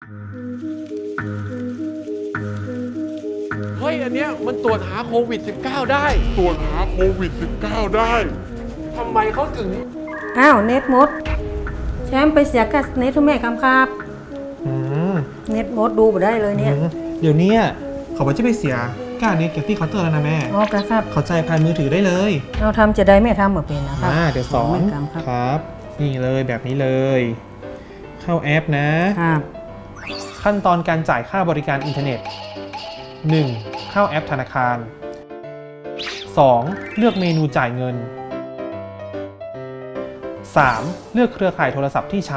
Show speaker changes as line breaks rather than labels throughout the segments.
เฮ้ยอันเนี้ยมันตรวจหาโควิด -19 ได้
ตรวจหาโควิด -19 ได้
ทำไมเขาถึง
อ้าวเน็ตหมดแชมป์ไปเสียกับเน็ตทุกแม่คำครับ
อืม
เน็ตหมดดูบ่ได้เลยเนี่ย
เดี๋ยวนี้เขาบอกจะไปเสียกล้าเน็ตเก็บที่เคาน์เตอร์แล้วนะแม่
อ๋อครับ
เข้าใจผ่านมือถือได้เลย
เราทำจะได้ไม่ทำเหมือนเป็นนะครับ
เดี๋ยวสอน
แม่คำครับ
ครับ นี่เลยแบบนี้เลย เข้าแอปนะ
ครับ
ขั้นตอนการจ่ายค่าบริการอินเทอร์เน็ต 1. เข้าแอปธนาคาร 2. เลือกเมนูจ่ายเงิน 3. เลือกเครือข่ายโทรศัพท์ที่ใช้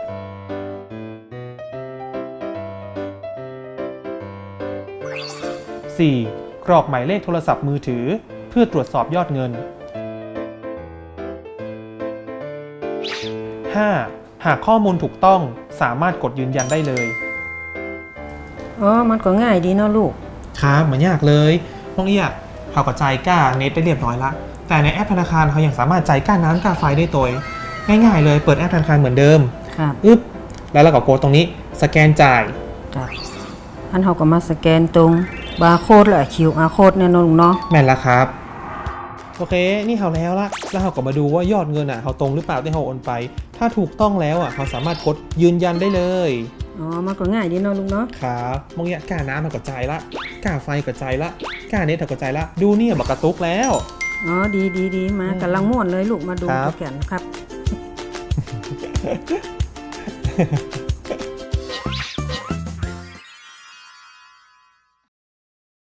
4. กรอกหมายเลขโทรศัพท์มือถือเพื่อตรวจสอบยอดเงิน 5. หากข้อมูลถูกต้องสามารถกดยืนยันได้เลย
อ๋อมันก็ง่ายดีเนาะลูก
ครับเหมือนยากเลยน้องเอียเขาก็จ่ายค่าเน็ตได้เรียบร้อยละแต่ในแอปธนาคารเขายังสามารถจ่ายค่าน้ำค่าไฟได้ตัวง่ายๆเลยเปิดแอปธนาคารเหมือนเดิม
ครับ
อึ๊บแล้วเราก็กดตรงนี้สแกนจ่าย
ครับอันเขาก็มาสแกนตรงบาร์โค้ดและ QR โค้ดเนี่ยเนาะลูกเนาะ
แม่นละครับโอเคนี่เขาแล้วละแล้วเขาก็มาดูว่ายอดเงินเขาตรงหรือเปล่าที่เขาโอนไป ถ้าถูกต้องแล้วเขาสามารถกดยืนยันได้เลย
อ๋อมันก็ง่ายดีเนาะลูกเนาะ
ครับมองเอียกล้าน้ำมันก็จ่ายละกล้าไฟก็จ่ายละกล้าเน็ตก็จ่ายละดูเนี่ยบักกระตุกแล้ว
อ๋อดีมากำลังม่วนเลยลูกมาดู
ครับ
กันครับ